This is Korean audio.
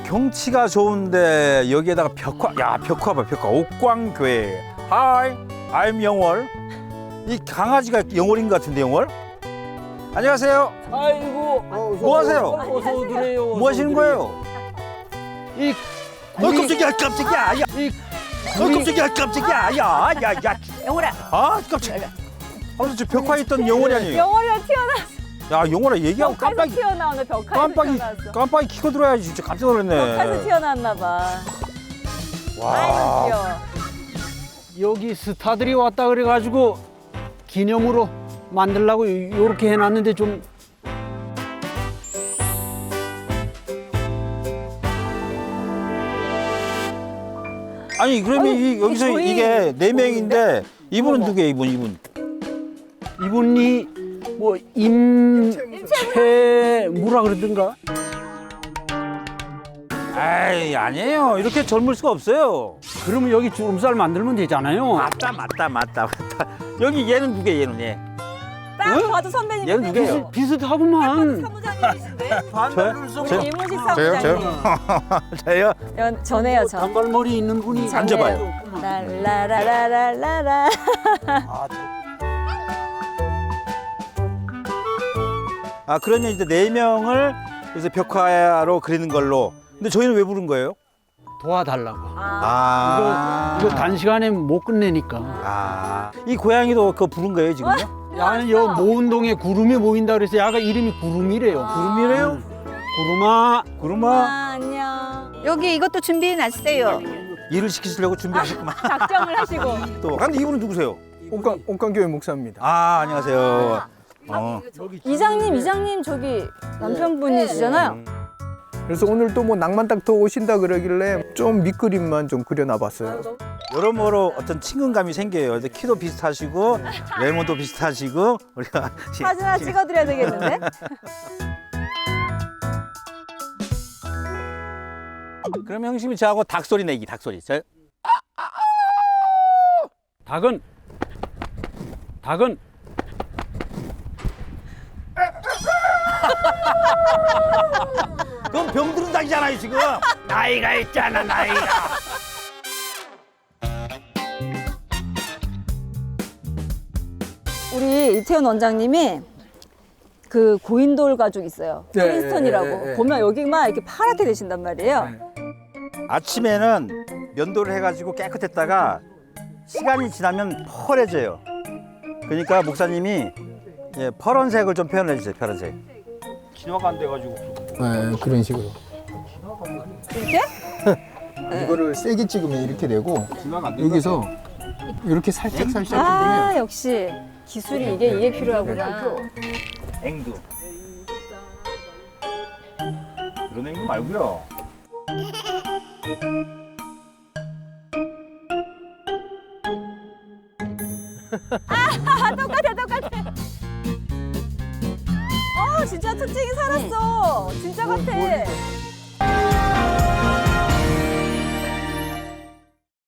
경치가 좋은데 여기에다가 벽화, 야 벽화 봐, 벽화. 옥광교회. Hi, I'm 영월. 이 강아지가 영월인 것 같은데 영월? 안녕하세요. 아이고. 뭐 하세요? 어서 오드래요. 뭐 하시는 거예요? 이 깜짝이야, 깜짝이야. 야. 깜짝이야, 깜짝이야. 야. 영월아. 아, 깜짝이야. 아무튼 저 벽화에 있던 영월이 아니에요. 영월이가 튀어나왔어. 야, 영월아 얘기하고 벽화에서 깜빡이 튀어나오네. 벽화에서 튀어나왔어. 깜빡이 키고 들어야지. 진짜 깜짝 놀랐네. 벽화에서 튀어나왔나 봐. 아이고 와. 귀여워. 여기 스타들이 왔다 그래가지고 기념으로 만들려고 이렇게 해놨는데 좀 아니 그러면 아니, 여기서 저희 이게 네 명인데 이분은 어머. 누구예요? 이분? 이분이 뭐 임채무라 그러던가. 아이 아니에요. 이렇게 젊을 수가 없어요. 그러면 여기 주름살 만들면 되잖아요. 맞다. 여기 얘는 누구예요? 얘는 얘. 딱 응? 봐도 선배님. 얘는 누구예요? 비슷하고만. 사무장님이신데. 저요? 우리 이문식 저요? 사무장님. 저요? 전해요 저. 단발머리 있는 분이 앉아봐요. 랄라라라라라. 아 그러면 이제 네 명을 그래서 벽화로 그리는 걸로. 근데 저희는 왜 부른 거예요? 도와달라고. 아. 이거 단시간에 못 끝내니까. 아. 이 고양이도 그거 부른 거예요 지금요? 야는 여 모운동에 구름이 모인다 그래서 야가 이름이 구름이래요. 구름이래요? 구름아. 구름아. 안녕. 여기 이것도 준비해 놨어요. 일을 시키시려고 준비하셨구만. 작정을 하시고. 또. 근데 이분은 누구세요? 옥강교회 목사입니다. 아 안녕하세요. 이장님 저기 남편분이시잖아요. 그래서 오늘 또 뭐 낭만닥터 오신다 그러길래 좀 밑그림만 좀 그려놔봤어요. 여러모로 어떤 친근감이 생겨요. 근데 키도 비슷하시고 외모도 비슷하시고 우리가 사진 하나 찍어드려야 되겠는데? 그럼 형님이 저하고 닭소리 내기 닭소리. 닭은 그건 병들은 닭이잖아요 지금. 나이가 있잖아 나이가. 우리 이태원 원장님이 그 고인돌 가족 있어요. 네, 프린스턴이라고. 네, 네. 보면 여기만 이렇게 파랗게 되신단 말이에요. 아침에는 면도를 해가지고 깨끗했다가 시간이 지나면 펄해져요. 그러니까 목사님이 파란색을 좀 표현해 주세요. 파란색. 진화가 안 돼가지고. 네, 그런 식으로. 이렇게? 이거를 세게 찍으면 이렇게 되고 여기서 이렇게 살짝 해주면 아 역시 기술이 이게 필요하구나. 앵두. 그런 앵두 말고요. 똑같아. 진짜 특징이 살았어. 진짜 같아.